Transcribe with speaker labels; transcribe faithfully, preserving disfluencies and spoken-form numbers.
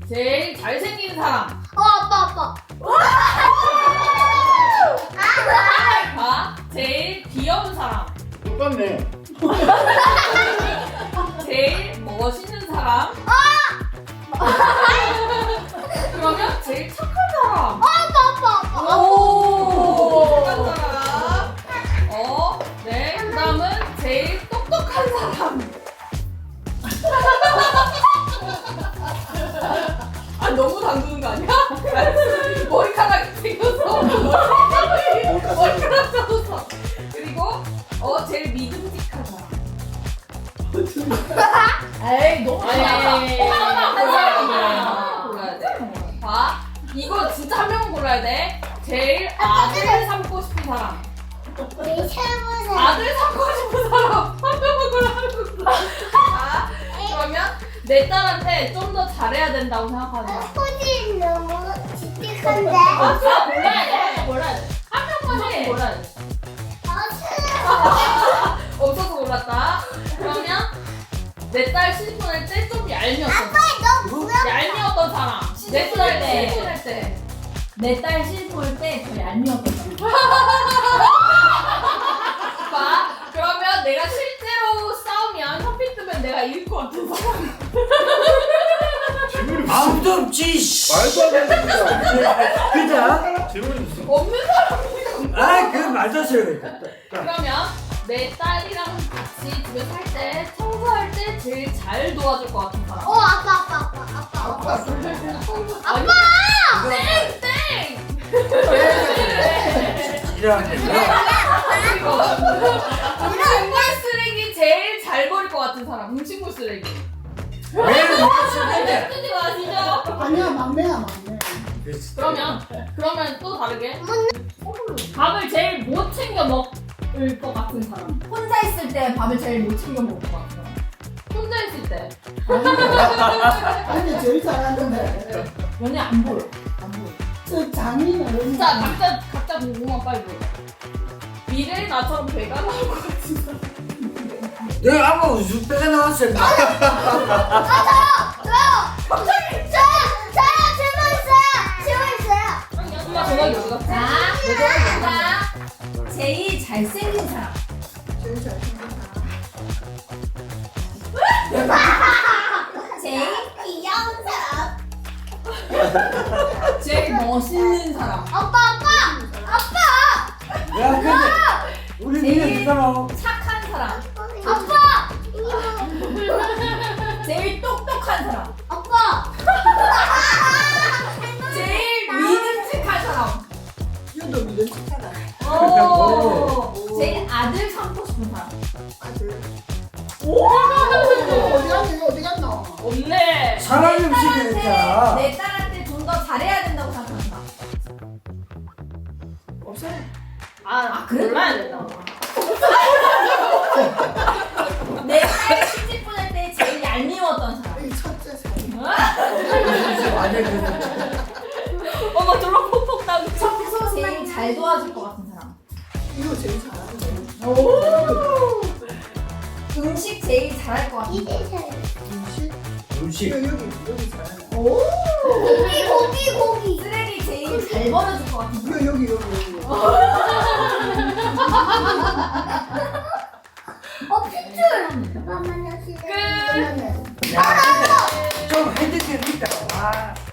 Speaker 1: 제일 잘생긴 사람.
Speaker 2: 어 아빠 아빠.
Speaker 1: 봐. 제일 귀여운 사람.
Speaker 3: 똑같네.
Speaker 1: 제일 멋있는 사람. 그러면 제일 착한 사람.
Speaker 2: 아빠 아빠 아빠.
Speaker 1: 오, 착한 사람. 어, 네. 그다음은 제일 똑똑한 사람. 아, 너무 담그는 거 아니야? 머리카락이 생겨서 머리카락 젖었어. 그리고 어 제일 믿음직한 사람.
Speaker 2: 에이 너무
Speaker 1: 아니,
Speaker 2: 좋아.
Speaker 1: 하나만 골라야 돼. 골라야 돼. 봐, 이거 진짜 한 명은 골라야 돼. 제일 아들 삼고 싶은 사람.
Speaker 2: 우리 세보세요.
Speaker 1: 아들 삼고 싶은 사람. 한 명은 골라는 거야. 자, 그러면 내 딸한테 좀 더 잘해야 된다고 생각하는 사람.
Speaker 2: 소진 너무 칙칙한데.
Speaker 1: 아, 진짜 골라야 돼. 한 명 골라야 돼. 한 명만 해. 골라야 돼.
Speaker 2: 아 싫어.
Speaker 1: 없어서 골랐다. 그러면 내 딸 시집보낼 때 좀 얄미웠던 사람.
Speaker 2: 너 뭐야?
Speaker 1: 얄미웠던 사람. 내 딸
Speaker 4: 때.
Speaker 1: 시집보낼 때.
Speaker 4: 내 딸 시집올 때 더 얄미웠던 사람.
Speaker 1: 봐. 그러면 내가 실제로 싸우면 현피 뜨면 내가 이길 것 같은 사람.
Speaker 3: 질문이
Speaker 5: 아무도 없지. 씨.
Speaker 3: 말도 안 되는 거야.
Speaker 5: 그자?
Speaker 3: 질문이 무슨?
Speaker 1: 없는 사람이라고.
Speaker 5: 아, 그 말도 안 돼.
Speaker 1: 그러면 내 딸이랑 같이 집에 살 때 청소할 때 제일 잘 도와줄 것 같은 사람.
Speaker 2: 어 아빠 아빠 아빠 아빠 아빠.
Speaker 1: 아빠!
Speaker 2: 아빠!
Speaker 1: 땡! 땡!
Speaker 5: 이러는데.
Speaker 1: 그리고 음식물 쓰레기 제일 잘 버릴 것 같은 사람. 음식물 쓰레기.
Speaker 5: 왜 그러는데?
Speaker 1: 쓰지 마시죠.
Speaker 6: 아니야 막내야 막내.
Speaker 1: 그러면 그러면 또 다르게 밥을 제일 못 챙겨 먹을 것 같은 사람.
Speaker 4: 혼자 있을 때 밥을 제일 못 챙겨 먹을 것 같아.
Speaker 1: 혼자 있을 때.
Speaker 6: 아니 제일 잘하는데.
Speaker 4: 연애 안 보여. 안 보여.
Speaker 6: 저 장인은
Speaker 1: 자, 각자 각자 궁금한 빨리 물어. 미래의 나처럼 배가 나올 것 같은 사람.
Speaker 5: 내가 아까 우주 빼가 나왔어.
Speaker 2: 저요 저요 저요 질문 있어요. 질문 있어요.
Speaker 1: 엄마 전화기 어디 갔어?
Speaker 4: 자,
Speaker 1: 내 전화기 어디 갔어?
Speaker 4: 자, 제일 잘생긴 사람.
Speaker 6: 제일 잘생긴
Speaker 4: 제일
Speaker 2: 귀여운 사람.
Speaker 4: 제일 멋있는 사람.
Speaker 2: 아빠 아빠 아빠
Speaker 5: 야, 근데 우리 니네 누가노?
Speaker 4: 착한 사람.
Speaker 2: 아빠
Speaker 4: 제일 똑똑한 사람.
Speaker 2: 아빠.
Speaker 4: 제일 믿음직한 사람.
Speaker 6: 이것도 믿음 착하다.
Speaker 4: 오. 제일 아들 삼고 싶은 사람.
Speaker 6: 아들. 어디 갔니 어디 갔노?
Speaker 1: 없네.
Speaker 5: 사람
Speaker 4: 내
Speaker 5: 음식이
Speaker 4: 딸한테,
Speaker 5: 있잖아.
Speaker 4: 내 딸한테 좀 더 잘해야 된다고 생각한다.
Speaker 6: 없어.
Speaker 1: 아, 아
Speaker 4: 그래?
Speaker 1: 골라야 된다.
Speaker 4: 내 딸 시집 보낼 때 제일 얄미웠던 사람.
Speaker 6: 이 첫째 사람.
Speaker 5: 완전 그
Speaker 1: 엄마 졸라 폭폭 당겨.
Speaker 4: 청소 제일 잘 도와줄 것 같은 사람.
Speaker 6: 이거 제일 잘하는데.
Speaker 1: 오.
Speaker 4: 음식 제일 잘할 것 같은 사람.
Speaker 2: 이게 잘.
Speaker 6: 음식.
Speaker 5: 음식.
Speaker 6: 이거 여기 여기 잘하네.
Speaker 4: 오.
Speaker 2: 고기 고기 고기.
Speaker 4: 쓰레기 제일 잘 버려줄 것 같은 사람.
Speaker 6: 이거 여기 여기 여기.
Speaker 2: 어 핏줄. 잠깐만요.
Speaker 1: 끝.
Speaker 5: 야, 좀 핸드폰 있다. 와.